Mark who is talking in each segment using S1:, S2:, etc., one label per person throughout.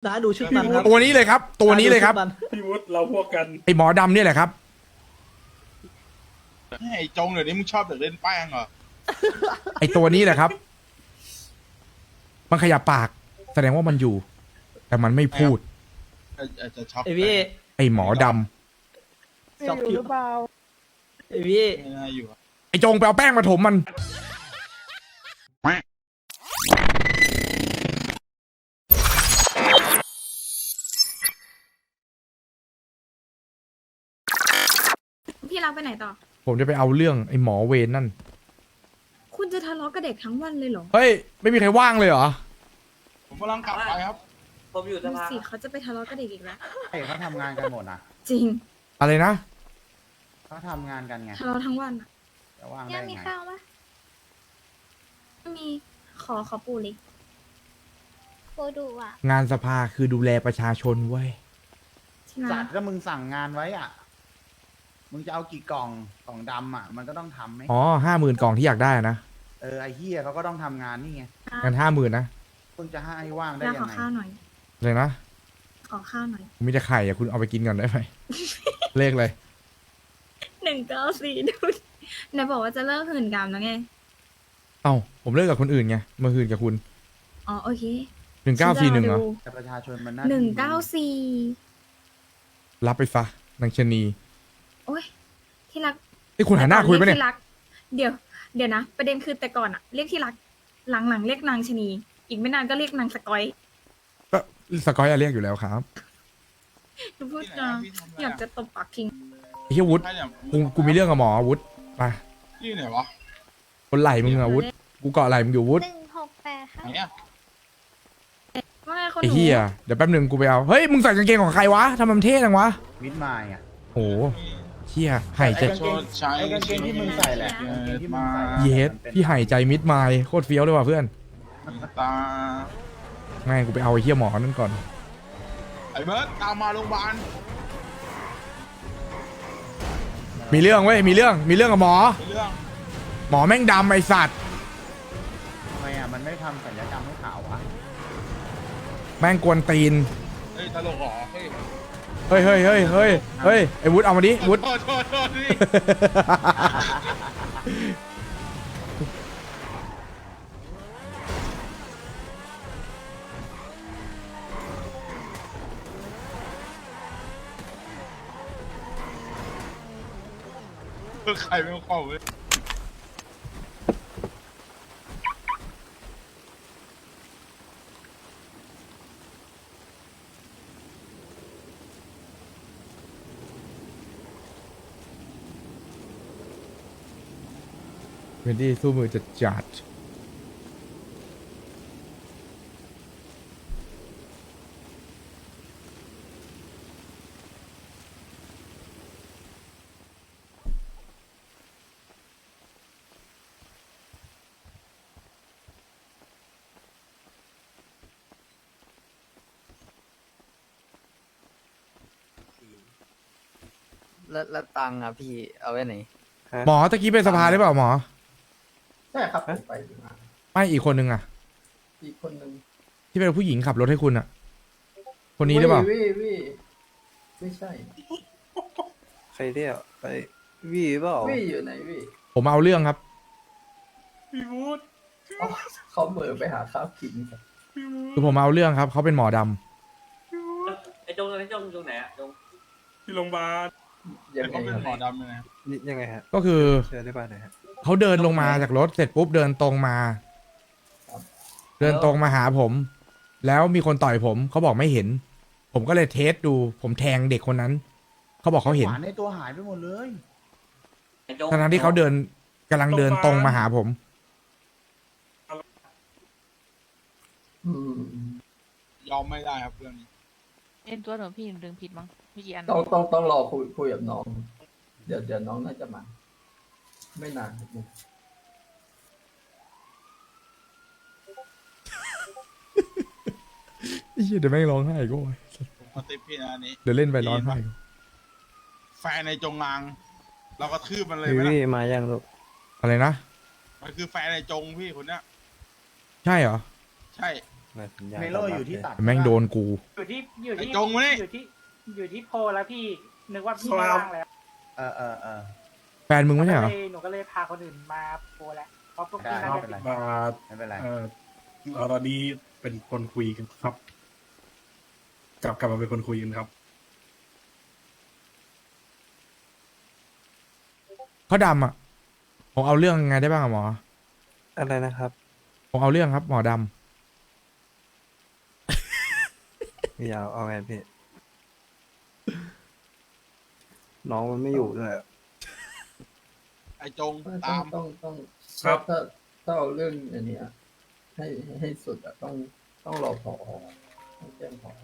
S1: นะดูชุดมันครับ
S2: ตัวนี้เลยครับ ตัวนี้เลยครับ
S3: พี่วุฒิเราพวกกัน
S2: ไอหมอดำเนี่ยแหละครับ
S4: ไอ้จงเดี๋ยวนี้มึงชอบเด็กเล่นแป้งเหรอ
S2: ไอตัวนี้แหละครับ มันขยับปาก แสดงว่ามันอยู่ แต่มันไม่พูด
S4: จะชอบ
S1: ไอพี่
S2: ไอหมอดำ
S1: ชอบผิวไอพี่
S4: ไม่น่าอยู่อะ
S2: ไอจงไปเอาแป้งมาถมมัน
S5: พี่รักไปไหนต่อ
S2: ผมจะไปเอาเรื่องไอหมอเวรนั่น
S5: คุณจะทะเลาะกับเด็กทั้งวันเลยเหรอ
S2: เฮ้ย ไม่มีใครว่างเลยเหรอ
S4: ผมกำลังกลับไปครับ
S1: ผมอยู่ส
S5: ดู
S1: ภา
S5: สิเขาจะไปทะเลาะกับเด็กอีกแล้ว
S6: ใช่เขาทำงานกันหมดนะ
S5: จริง
S2: อะไรนะ
S6: เขาทำงานกันไง
S5: ทะเลาะทั้งวันอะ
S6: จะว่าง
S5: ย่า
S6: ได้
S5: มี
S6: ไง
S5: ข้าวปะไม่มี ขอปูเล็ก
S7: โคดูอ่ะ
S2: งานสภาคือดูแลประชาชนเว้ย
S5: ที่ไหน
S6: สัตว์ก็มึงสั่งงานไว้อ่ะ มึงจะเอากี่กล่องดำอ่ะ มันก็ต้องทำไหม
S2: อ๋อ50,000 กล่องที่อยากได้นะ
S6: ไอ้เฮียเขาก็ต้องทำงานนี่ไง
S2: งั้น50,000นะ
S6: มึงจะให้ว่างได้
S5: ย่า
S6: ยั
S5: ของ
S6: ไง
S5: ข้าวหน่อย
S2: เลยนะ
S5: ขอข้าวหน่อย
S2: ผมมีแต่ไข่อะคุณเอาไปกินก่อนได้ไหม เลขเลย
S5: 194ดูดิไหนบอกว่าจะเลิกหื่นกามแล้วไง
S2: เอ้า ผมเลิกกับคนอื่นไงมาคืนกับคุณ
S5: อ๋อโอเค
S2: 1941เหรอ
S6: แต่ประชาชนมันน่า
S5: 194
S2: รับไปซะนางชะนี
S5: โอ้ยที่รัก
S2: นี่คุณหันหน้าคุยปะเนี่ย
S5: ที่รัก เดี๋ยวนะ ประเด็นคือแต่ก่อนอะเรียกที่รัก หลังๆเรียกนางชะนี อีกไม่นานก็เรียกนางสกอย
S2: ก็สกอยอะเรียกอยู่แล้วครับ
S5: ดูพูดจาอยากจะตบปากทิ้ง
S2: ไอ้เหี้ยวุฒิ
S4: ใช่เนี่ย
S2: กูมีเรื่องกับหมอวุฒิไป
S4: ที่ไหนวะ
S2: คนไหลมึงอะวุฒิกูเกาะไหลมึงอยู่วุฒิ
S7: 168 ค่ะ
S4: ไหนอะ
S5: ว่าไงคนห
S2: ไอ้
S5: นู
S2: เหี้ยเดี๋ยวแป๊บหนึงกูไปเอาเฮ้ยมึงใส่กางเกงของใครวะทำไมมันเท่จังวะ
S6: มิดไมล์อ่ะ
S2: โหเหี้ยหายใจ
S4: ชดใช้
S6: ไอ้กางเกงที่มึงใส่แหละกางเกงที่มึงใส่อะ
S2: เยสพี่หายใจมิดไมล์โคตรเฟี้ยวเลยว่ะเพื่อน
S4: ตา
S2: แม่งกูไปเอาไอ้เหี้ยหมอนั่นก่อน
S4: ไอ้เบิร์ดตามมาโรงพยาบาล
S2: มีเรื่องเว้ยมีเรื่องกับหมอ
S4: ไอ้เรื่อง
S2: หมอแม่งดำไอสัตว์
S6: ทำไมอ่ะ มันไม่ทำศัลยกรรมให้ขาววะ
S2: แม่งกวนตีน
S4: เฮ้ยตลกเหรอเฮ้ย
S2: เฮ้ยไอ้วุฒิเอามาดิวุฒิ
S4: โทษนี่ใครไม่เข้าเว้ย
S2: เวนดี้สู้มือจะจัด
S8: แล้วตังค์อ่ะพี่เอาไว้ไหน
S2: หมอตะกี้ไปสภาได้เปล่าหมอ
S8: ใช่ครับผมไปมา
S2: ไม่อีกคนนึงอะ
S8: อีกคนนึง
S2: ที่เป็นผู้หญิงขับรถให้คุณอะคนนี้หรือเปล่า
S8: วิไม่ใช่
S9: ใครเรียกไปวีเปล่า
S8: วิอยู่ไหนวิ
S2: ผมเอาเรื่องครับ
S4: พี่วูด
S8: อ๋อเขาเหมือไปหาข้าวกินครับ
S2: คือผมเอาเรื่องครับเขาเป็นหมอดำ
S1: ไอจงตรงไหนอะจง
S3: ที่โรงพยาบาล
S8: ยังไง
S4: เขาเป็น
S8: ครับ
S4: หมอดำเลยนะ
S9: นี่ยังไงฮะ
S2: ก็คือ
S9: เชิญได้บ้านหน่อยฮะ
S2: เขาเดินลงมาจากรถเสร็จปุ๊บเดินตรงมา เดินตรงมาหาผม แล้วมีคนต่อยผมเขาบอกไม่เห็น ผมก็เลยเทสดู ผมแทงเด็กคนนั้นเขาบอกเขาเห็น
S6: หวานในตัวหายไปหมดเลย
S1: ไอจง
S2: ทั้งๆที่เขาเดินกำลังเดินตรงมาหาผม
S8: อืม
S4: ยอมไม่ได้ครับเรื่องนี้
S10: เอ็นตัวหนูพี่ดึงผิดมั้งไม่กี่อัน
S8: ต้องรอคุยกับน้อง เดี๋ยวน้องน่าจะมา ไม่นานครับ
S2: เหี้ยเดี๋ยวแม่งร้องไห้ก็
S4: ผมกระติบพี่นะอันนี้
S2: เดี๋ยวเล่นไปร้องไห้
S4: แฟนในจงงางเราก็ทืบมันเลย
S9: วี
S4: ไหม
S9: วี
S4: ล่ะ
S9: มายังลูก
S2: อะไรนะ
S4: มันคือแฟนในจงพี่คนเนี้ย
S2: ใช่เหรอ
S4: ใช่
S9: ในสัญญา
S6: เมโลอยู่ที่ตัด
S2: แม่งโดนกู
S11: อยู่ที่
S4: ไอ้จงมานี่
S11: อยู่ที่โพลแล้วพี่ นึกว่าพี่
S3: ครับ
S11: ไม่ว่างแล้ว
S6: เออ
S2: แฟนมึงไม่ใช่เหรอ
S11: หนูก็เลยพาคนอื่นมาโพลแล้วเพราะพวก
S6: ได้
S11: พี่น่า
S6: ไม่
S11: จะ
S6: เป็นไร
S3: มา
S6: ไม่เป็นไร
S3: เราตอนนี้เป็นคนคุยกันครับ กลับมาเป็นคนคุยกันครับ
S2: เขาดำอ่ะ ผมเอาเรื่องไงได้บ้างอะหมอ
S9: อะไรนะครับ
S2: ผมเอาเรื่องครับ หมอด
S9: พี่ยาวเอาไงพี่ น้องมันไม่อยู่ด้วย
S4: ไอ้จง
S8: ต้อ
S4: ตาม
S8: งต้อง
S3: ครับ
S8: ถ้าเอาเรื่องอันเนี้ยให้สุดอะต้องรอผอต้องแจ้งผอ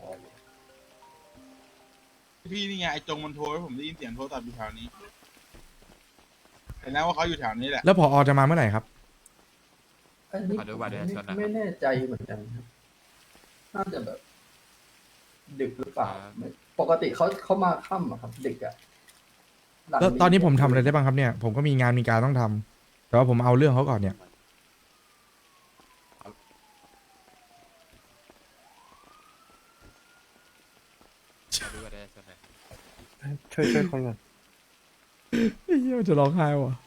S4: พี่นี่ไงไอ้จงมันโทรให้ผมได้ยินเสียงโทรศัพท์อยู่แถวนี้เห็นแล้วว่าเขาอยู่แถวนี้แหละ
S2: ำแล้วพอจะมาเมื่อไหร่ครับ
S8: อันนี้ไม่แน่ใจเหมือนกันครับน่าจะแบบ ดึกหรือเปล่าปกติเขามาค่ำอะครับ ดึกอะหลัง
S2: แล้วตอนนี้ผมทำอะไรได้บ้างครับเนี่ย ผมก็มีงานมีการต้องทำแต่ว่าผมเอาเรื่องเขาก่อนเนี่ย
S9: ช่วยคนก่อน
S2: เฮียจะร้องไห้ว่ะ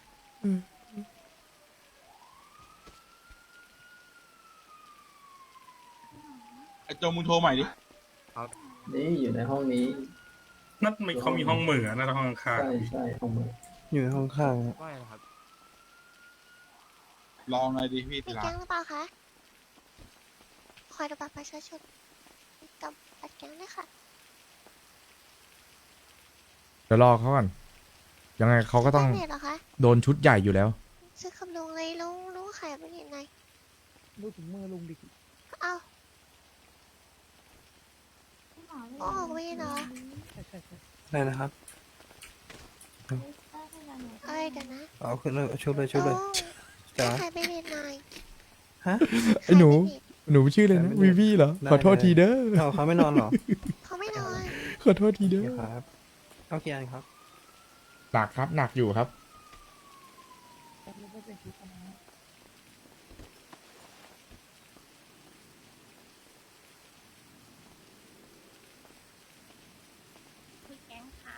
S4: ไอ้จงมึงโทรใหม่ดิ
S8: นี่อยู่ในห้องนี้
S3: นั่นไม่เขามีห้องเหมือนะห้องข้าง
S8: ใช่ห้องมือ
S9: อยู่ในห้องข้างนะ
S4: ลองไงดิพี่
S7: มี
S4: ติลา
S7: แก๊งหรือเปล่าคะขอดูบัตรประชาชนกับบัตรแก๊งด้วยค่ะ
S2: เดี๋ยวรอเขาก่อน ยังไงเขาก็ต้อง
S7: เน็ตเหรอคะ
S2: โดนชุดใหญ่อยู่แล้ว
S7: ซื้อคำลุงเลยลุงขายไปเห็นไหน
S11: ดูถึงมือลุงดิ
S7: เอ้าโอ้ไม่เหรอ
S9: อะไรนะครับ
S7: เอ้ยเดี๋ยวนะ
S9: เอาขึ้นเลยชุบเลยชุบเลย
S7: ลุง
S9: จ๋า
S7: ขายไปเห็นหน่อย
S9: ฮะ
S2: ไอ้หนู หนูชื่ออะไรนะวีวีเหรอ
S9: ได้
S2: ขอโทษทีเด้อ
S9: เอาเขาไม่นอนเหรอ
S7: เขาไม่นอน
S2: ขอโทษทีเด้อ
S9: เดี๋ยวครับเอากี่อันครับ
S2: หนักครับ หนักอยู่ครับ
S7: มีแก๊งค่ะ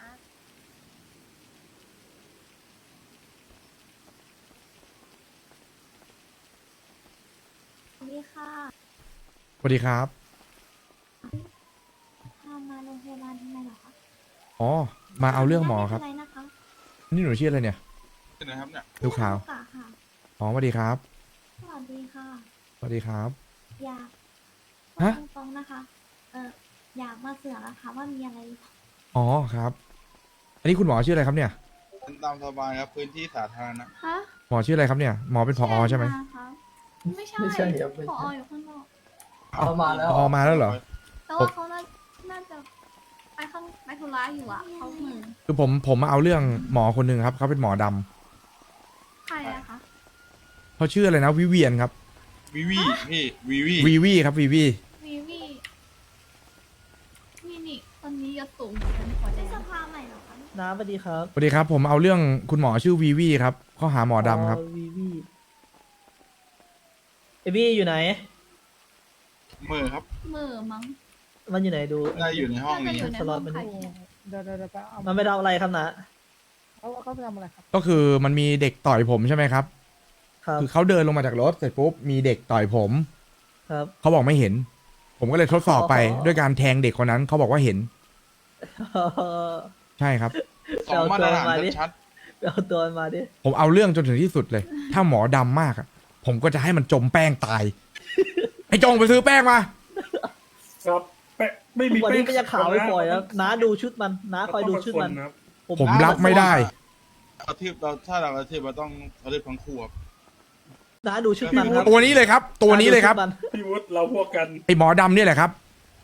S7: สวัสดีค่ะ
S2: สวัสดีครับ
S7: พามาโรงพยาบาลทำไมเหรอคะ
S2: อ๋อ มาเอาเรื่องหมอครับ
S7: ไม่เป็นไรนะคะ
S2: นี่หนูชื่ออะไรเนี่ย
S4: เป็นนะครับเนี่ย
S2: ลูกขาว
S7: ลูกะค่ะ
S2: อ๋อสวัสดีครับ
S7: สวัสดีค่ะ
S2: สวัสดีครับ
S7: อยาก
S2: ฮะ
S7: พูดตรงๆนะคะ อยากมาเสือกอะค่ะว่ามีอะไรหรือเปล่า
S2: อ๋อครับ อันนี้คุณหมอชื่ออะไรครับเนี่ย
S4: เป็นตามสบายครับพื้นที่สาธารณะ
S7: ฮะ
S2: หมอชื่ออะไรครับเนี่ย หมอเป็นผอใช่ไหม
S7: คะไม่ใช่
S8: ไม่ใช่ครับไม่
S7: ผอ
S8: ใช่
S7: อยู่ข้างนอก
S8: เอามาแล้ว
S2: ผอมาแล้วเหรอ
S7: แต่ว่าเขาน่าจะไปธุระอยู่อะเขาเหมือน
S2: คือผมมาเอาเรื่องหมอคนหนึ่งครับ เขาเป็นหมอดำ
S7: ใครอะคะ
S2: เขาชื่ออะไรนะ วิเวียนครับ
S4: วิวีพี่วิวี
S2: วีวีครับวีวี
S7: วีนี่คนนี้ยศสูงเหมือนกันหัวแดงสภาใหม่เหรอคะ
S11: น้าสวัสดีครับ
S2: สวัสดีครับ ผมเอาเรื่องคุณหมอชื่อวีวีครับข้อหาหมอดำครับ
S11: วีวีเอวี่อยู่ไหน
S4: มือครับ
S7: มือมั้ง
S11: มันอยู่ไหนดู
S4: ได้อยู่ในห้อง
S7: น่าจะ
S4: นี้
S7: อยู่ใน
S11: สล็
S7: ห้
S11: อ
S7: อ
S11: ต
S7: ง
S11: มัน
S7: ขายแขก
S11: มันไม่ทำอะไรครับนะเขาไปทำอะไรครับ
S2: ก็คือมันมีเด็กต่อยผมใช่ไหมครับ
S11: ครับ
S2: คือเขาเดินลงมาจากรถเสร็จปุ๊บมีเด็กต่อยผม
S11: ครับ
S2: เขาบอกไม่เห็น ผมก็เลยทดสอบไป
S11: อ๋อ
S2: ด้วยการแทงเด็กคนนั้นเขาบอกว่าเห็น ใช่ครับ
S4: สองมาตรฐาน
S11: เอาตัวมาดิ
S4: ชัด
S11: ไปเอาตัวมันมาดิ
S2: ผมเอาเรื่องจนถึงที่สุดเลย ถ้าหมอดำมากอะผมก็จะให้มันจมแป้งตาย ไอ้จงไปซื้อแป้งมา
S3: ครับแปะไม่มี
S11: วันนี้
S3: แป้
S11: ก็จะขาวไม่ปล่อยแล้วน้าดูชุดมันน้าคอยดูชุดมัน
S3: ครับ
S2: ผมรับไม่ได้
S4: กระทืบเราถ้าเรากระทืบเราต้องกระทืบทั้งคู่ครับ
S11: น้าดูชุดมันครับ
S2: ตัวนี้เลยครับ ตัวนี้เลยครับ
S11: าดูชุดมัน
S3: พี่วุฒิเราพวกกัน
S2: ไอ้หมอดำเนี่ยแหละครับ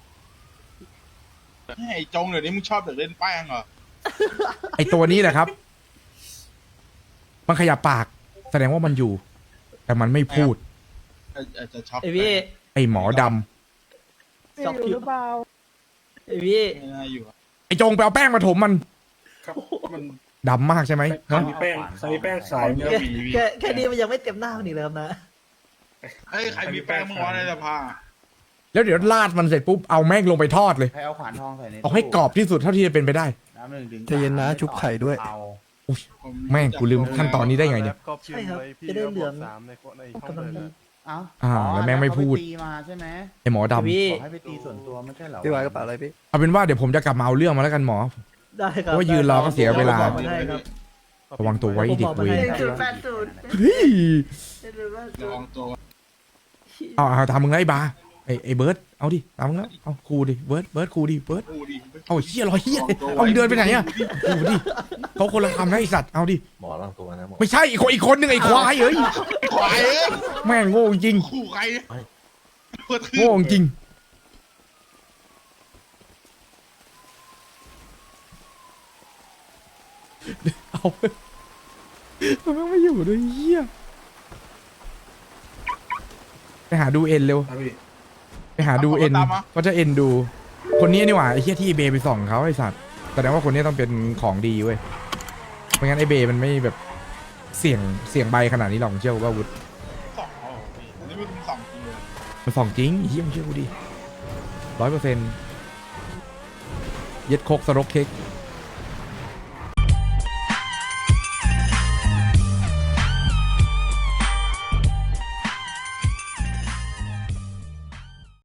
S4: ไอ้จงเดี๋ยวนี้มึงชอบเด็กเล่นแป้งเหรอ
S2: ไอ้ตัวนี้แหละครับ มันขยับปาก แสดงว่ามันอยู่ แต่มันไม่พูด
S4: อาจจะช็อป
S11: ไอพี่
S2: ไอ้หมอดำ
S11: ช็อกผิวไอพี่
S4: ไม่น่าอยู่อะ
S2: ไอ้จงไปเอาแป้งมาถมมัน
S3: ครับมัน
S2: ดำมากใช่ไหม
S3: ใคร
S2: ฮะ
S3: มีแป้งใครมีแป้งขายเนี่ย
S11: แค่นี้มันยังไม่เต็มหน้ามันอีกเลยครับนะ
S4: เฮ้ยใครมีแป้งมึงวะในสภา
S2: แล้วเดี๋ยวลาดมันเสร็จปุ๊บเอาแม่งลงไปทอดเลย
S6: ให้เอาขวานทองใส่ใน
S2: เอาให้กรอบที่สุดเท่าที่จะเป็นไปได้
S6: น้ำหนึ่งถึง
S9: ใจเย็นนะชุบไข่ด้วย
S6: เอา
S4: ผม
S2: แม่งกูลืมขั้นตอนนี้ได้ไงเนี่ย
S11: ใช่ครับจะได้เหลืองกำลังดี
S6: เอา
S2: แล้วแม่งไม่พูด
S6: เขาปตีมาใช่ไหม
S2: ไอหมอดำ
S11: พี่
S6: บอกให้ไปตีส่วนตัวไม่ใช่เหรอ
S9: พี่วายกระเป๋าอะไรพี่
S2: เอาเป็นว่าเดี๋ยวผมจะกลับมาเอาเรื่องมาแล้วกันหมอ
S11: ได้ครับ
S2: เพราะว่ายืนรอก็เสียเวลา
S11: ผมบอกมาให้ครับ
S2: ระวังตัวไว้เด็กเวร
S5: 080
S2: เฮ้ย
S4: ระวังตัว
S2: เอาทำมึงแล้วไอ้บาร์ไอ้เบิร์ดเอาดิตามมึงแล้วเอาครูดิเบิร์ดครูดิเบิร์ด
S4: กูดิ
S2: เอาเฮียรอยเฮียเอามึงเดินไปไหนอะครูดิเขาคนละคำนะไอสัตว์เอาดิ
S9: หมอร่างตัวนะหมอ
S2: ไม่ใช่อีกคนหนึ่งไอ้ควายเอ้ย
S4: ควายเอ้ย
S2: แม่งโง่จริง
S4: ขู่ใคร
S2: โง่จริงเอามันไม่อยู่ด้วยเฮียไปหาดูเอ็นเร็ว
S3: ครับพี่
S2: ไปหาดูเอ็นก็จะเอ็นดู คนนี้นี่หว่าไอ้เฮียที่เบย์ไปส่องเขาไอ้สัตว์แสดงว่าคนนี้ต้องเป็นของดีเว้ยไม่งั้นไอ้เบย์มันไม่แบบเสี่ยงใบขนาดนี้หรอกเชื่อกูว่าวุฒ
S4: สองอ๋อพี่อันนี้มันสองจริงเลย
S2: มันส่องจริงไอ้เฮียมึงเชื่อกูดิ100%เย็ดโคกสโรกเค้ก